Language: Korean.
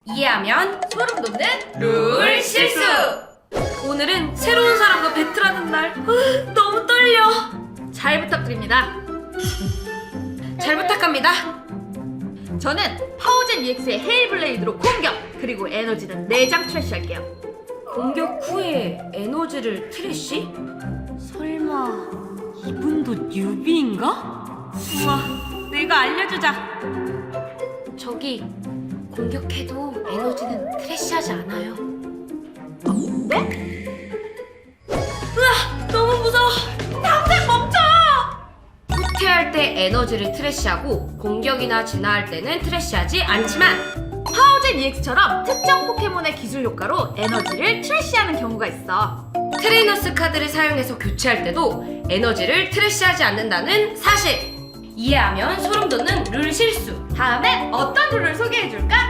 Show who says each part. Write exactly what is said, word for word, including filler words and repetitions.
Speaker 1: 이해하면
Speaker 2: 소름 돋는
Speaker 1: 룰 실수!
Speaker 2: 오늘은 새로운 사람과 배틀하는 날. 으, 너무 떨려. 잘 부탁드립니다.
Speaker 1: 잘 부탁합니다.
Speaker 2: 저는 파워젠 이엑스의 헤일블레이드로 공격, 그리고 에너지는 네 장 트래쉬할게요.
Speaker 1: 공격 후에 에너지를 트래쉬? 설마 이분도 뉴비인가?
Speaker 2: 우와, 내가 알려주자.
Speaker 1: 저기 공격해도 에너지는 트래쉬하지 않아요.
Speaker 2: 네? 으아, 너무 무서워. 당장 멈춰!
Speaker 1: 후퇴할 때 에너지를 트래쉬하고 공격이나 진화할 때는 트래쉬하지 않지만
Speaker 2: 파워젠 이엑스처럼 특정 포켓몬의 기술 효과로 에너지를 트래쉬하는 경우가 있어.
Speaker 1: 트레이너스 카드를 사용해서 교체할 때도 에너지를 트래쉬하지 않는다는 사실! 이해하면 소름 돋는 룰 실수!
Speaker 2: 다음엔 어떤 룰을 소개해줄까?